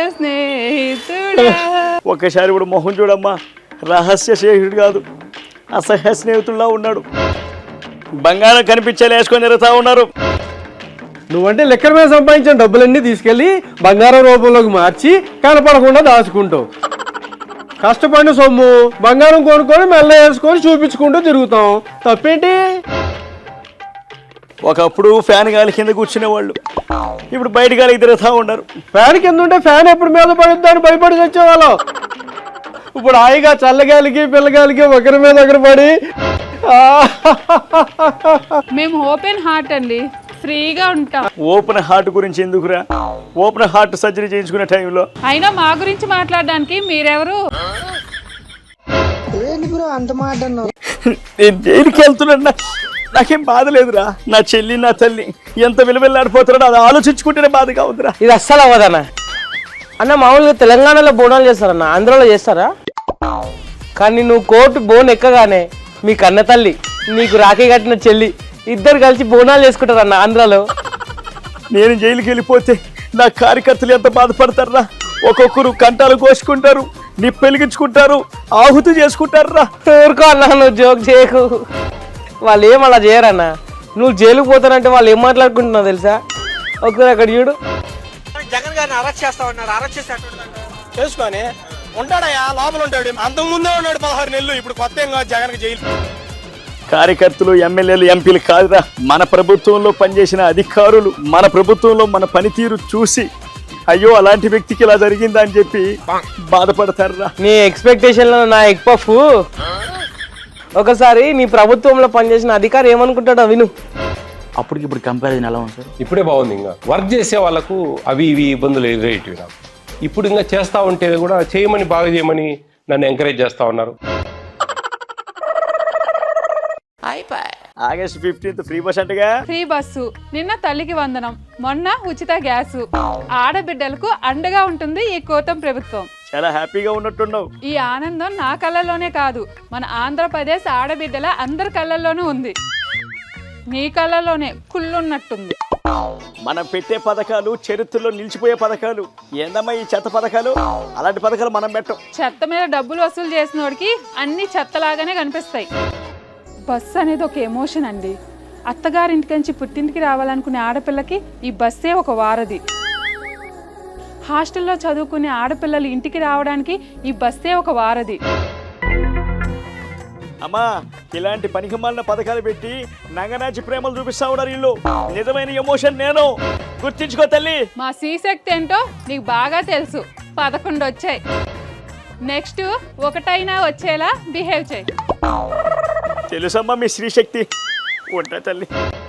స్నేహితుడా. ఒక్కసారి ఇప్పుడు మొహం చూడమ్మా, రహస్య స్నేహితుడు కాదు అసహ్య స్నేహితుల్లా ఉన్నాడు. బంగారం కనిపించేలా వేసుకొని తిరుగుతా ఉన్నారు. నువ్వంటే లెక్కల మీద సంపాదించిన డబ్బులన్నీ తీసుకెళ్లి బంగారం రూపంలోకి మార్చి కనపడకుండా దాచుకుంటావు. కష్టపడిన సొమ్ము బంగారం కొనుక్కొని మెల్ల వేసుకొని చూపించుకుంటూ తిరుగుతాం. తప్పేంటి? ఒకప్పుడు ఫ్యాన్ గాలి కింద కూర్చునేవాళ్ళు, ఇప్పుడు బయట గాలికి తిరుగుతూ ఉన్నారు. ఫ్యాన్ కింద ఉంటే ఫ్యాన్ ఎప్పుడు మీద పడుద్దని భయపడి వచ్చేవాళ్ళం. ఇప్పుడు హాయిగా చల్లగాలికి పిల్లగాలికి ఒకరి మీద ఒకరు పడి మేము ఓపెన్ హార్ట్ అండి, ఫ్రీగా ఉంటాం. ఓపెన్ హార్ట్ గురించి ఎందుకురా? ఓపెన్ హార్ట్ సర్జరీ చేయించుకునే టైంలో అయినా మా గురించి మాట్లాడడానికి మీరెవరు? నేను జైలుకి వెళ్తున్నా, నాకేం బాధ లేదురా. నా చెల్లి నా తల్లి ఎంత విలువెల్లాడిపోతున్నాడో అది ఆలోచించుకుంటేనే బాధగా ఉందిరా. ఇది అస్సలు అవ్వదన్న. అన్న మామూలుగా తెలంగాణలో బోనాలు చేస్తారన్న, ఆంధ్రాలో చేస్తారా? కానీ నువ్వు కోర్టు బోన్ ఎక్కగానే మీ కన్న తల్లి నీకు రాఖీ కట్టిన చెల్లి ఇద్దరు కలిసి బోనాలు చేసుకుంటారన్న ఆంధ్రాలో. నేను జైలుకి వెళ్ళిపోతే నా కార్యకర్తలు ఎంత బాధపడతారా? ఒక్కొక్కరు కంటాలు కోసుకుంటారు, నిప్పెలిగించుకుంటారు, ఆహుతి చేసుకుంటారా. ఊరుకో అన్న, నువ్వు జోక్ చేయకు. వాళ్ళు ఏం అలా చేయరన్న. నువ్వు జైలుకు పోతానంటే వాళ్ళు ఏం మాట్లాడుకుంటున్నావు తెలుసా? ఒకసారి అక్కడ చూడు. జగన్ గారిని అరెస్ట్ చేస్తా ఉన్నారు. అరెస్ట్ చేసుకొని ఉంటాడయా, లోపల ఉంటాడు. అంతకు ముందే ఉన్నాడు 16 నెలలు. ఇప్పుడు కొత్త ఏం కాదు జగన్కి జైలు. కార్యకర్తలు ఎమ్మెల్యేలు ఎంపీలు కాదురా, మన ప్రభుత్వంలో పనిచేసిన అధికారులు మన ప్రభుత్వంలో మన పనితీరు చూసి అయ్యో అలాంటి వ్యక్తికి ఇలా జరిగిందా అని చెప్పి బాధపడతారా. నీ ఎక్స్పెక్టేషన్లో నా ఎగ్ పఫ్. ఒకసారి నీ ప్రభుత్వంలో పనిచేసిన అధికారి ఏమనుకుంటాడో విను. అప్పటికి ఇప్పుడు కంపారిజన్ ఎలా ఉంది సార్? ఇప్పుడే బాగుంది. ఇంకా వర్క్ చేసే వాళ్ళకు అవి ఇవి ఇబ్బందులు ఎదురయ్యేటివి నాకు. ఇప్పుడు ఇంకా చేస్తూ ఉంటే కూడా చేయమని బాగా చేయమని నన్ను ఎంకరేజ్ చేస్తూ ఉన్నారు. ఆగస్ట్ 15th ఫ్రీ బస్ అంటగా. ఫ్రీ బస్సు, నిన్న తల్లికి వందనం, మొన్న ఉచిత గ్యాసు. ఆడబిడ్డలకు అండగా ఉంటుంది ఈ కూటమి ప్రభుత్వం. చాలా హ్యాపీగా ఉన్నట్టున్నావు. ఈ ఆనందం నా కళ్ళల్లోనే కాదు, మన ఆంధ్రప్రదేశ్ ఆడబిడ్డల అందరి కళ్ళల్లోనూ ఉంది. నీ కళ్ళల్లోనే కుళ్ళున్నట్టుంది. మనం పెట్టే పథకాలు చరిత్రలో నిలిచిపోయే పథకాలు. ఏందమ్మా ఈ చెత్త పథకాలు? అలాంటి పథకాలు మనం పెట్టం. చెత్త మీద డబ్బులు వసూలు చేసినోడికి అన్ని చెత్తలాగానే కనిపిస్తాయి. బస్సు అనేది ఒక ఎమోషన్ అండి. అత్తగారింటి నుంచి పుట్టింటికి రావాలనుకునే ఆడపిల్లకి ఈ బస్సే ఒక వారధి. హాస్టల్లో చదువుకునే ఆడపిల్లలు ఇంటికి రావడానికి ఈ బస్సే ఒక వారధి. అమ్మా ఇలాంటి పనికిమాలిన పథకాలు పెట్టి నంగనాచి ప్రేమలు చూపిస్తా ఉన్నారు వీళ్ళు. నిజమైన ఎమోషన్ నేను. గుర్తించుకో తల్లి. మా శ్రీశక్తి ఏంటో నీకు బాగా తెలుసు. 11 వచ్చాయి. నెక్స్ట్ ఒకటైనా వచ్చేలా బిహేవ్ చేయి. తెలుసమ్మా మీ శ్రీశక్తి. ఉంటా తల్లి.